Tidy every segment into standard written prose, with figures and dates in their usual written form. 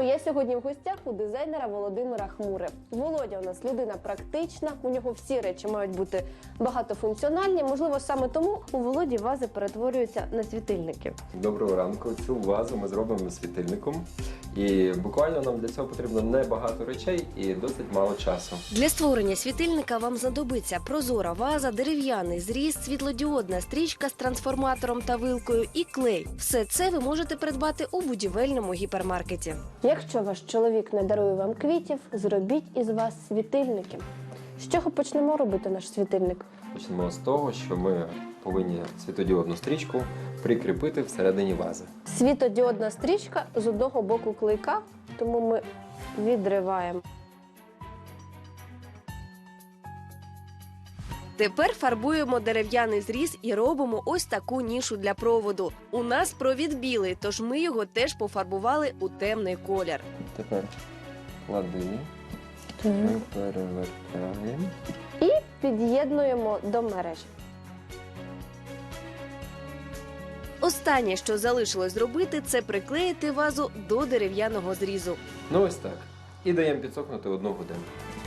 я сьогодні в гостях у дизайнера Володимира Хмури. Володя у нас людина практична, у нього всі речі мають бути багатофункціональні. Можливо, саме тому у Володі вази перетворюються на світильники. Доброго ранку. Цю вазу ми зробимо світильником. І буквально нам для цього потрібно небагато речей і досить мало часу. Для створення світильника вам знадобиться прозора ваза, дерев'яний зріз, світлодіодна стрічка з трансформатором та вилкою і клей. Все це ви можете придбати у будівельному гіпермаркеті. Якщо ваш чоловік не дарує вам квітів, зробіть із вас світильники. З чого почнемо робити наш світильник? Почнемо з того, що ми повинні світлодіодну стрічку прикріпити всередині вази. Світодіодна стрічка з одного боку клейка, тому ми відриваємо. Тепер фарбуємо дерев'яний зріз і робимо ось таку нішу для проводу. У нас провід білий, тож ми його теж пофарбували у темний колір. Тепер клади, ми перевертаємо. І під'єднуємо до мережі. Останнє, що залишилось зробити, це приклеїти вазу до дерев'яного зрізу. Ну ось так. І даємо підсохнути 1 годину.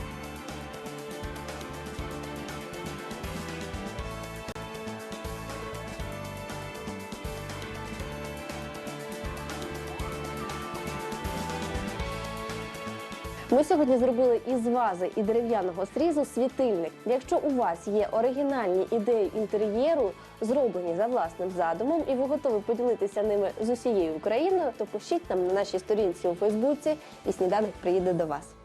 Ми сьогодні зробили із вази і дерев'яного срізу світильник. Якщо у вас є оригінальні ідеї інтер'єру, зроблені за власним задумом, і ви готові поділитися ними з усією Україною, то пишіть нам на нашій сторінці у Фейсбуці, і сніданок приїде до вас.